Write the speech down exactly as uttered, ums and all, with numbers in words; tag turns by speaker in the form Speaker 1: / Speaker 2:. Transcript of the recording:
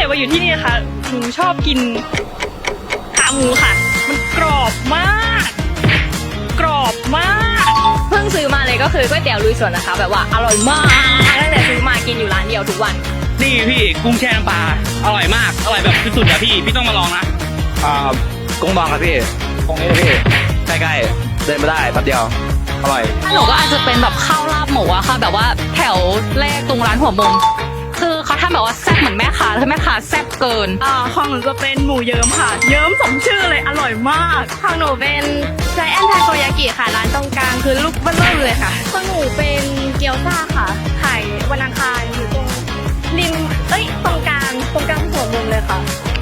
Speaker 1: ดมาอยู่ที่นี่นะคะหนูชอบกินขาหมูค่ะมันกรอบมากกรอบมากเพิ่งซื้อมาเลยก็คือก๋วยเตี๋ยวลุยสวนนะคะแบบว่าอร่อยมากตั้งแต่ซื้อมากินอยู่ร้านเดียวทุกวัน
Speaker 2: นี่พี่กุ้งแช่น้ำปลาอร่อยมากอร่อยแบบสุดๆอะพี่พี่ต้องมาลองนะ
Speaker 3: อ่ากุ้งบองครับพี่ตรงนี้เลยพี่ใกล้ๆเดินมาได้แป๊บเดียวอร่อย
Speaker 4: หนูก็อาจจะเป็นแบบข้าวลาบหมูอะค่ะแบบว่าแถวแรกตรงร้านหัวมุมคือเขาทำแบบว่าแซ่บเหมือนแม่ค้าคือแม่ค้าแซ่บเกิน
Speaker 1: อ่าของหนูจะเป็นหมูเยิ้มค่ะเยิ้มสมชื่อเลยอร่อยมากของหนูเป็นไจแอนทาโกยากิค่ะร้านตรงกลางคือลูกเบิ้ลเลยค่ะของหนูเป็นเกี๊ยวซ่าค่ะขายวันอังคารอยู่ตรงริมเอ้ยตรงกลางตรงกลางหัวมุมเลยค่ะ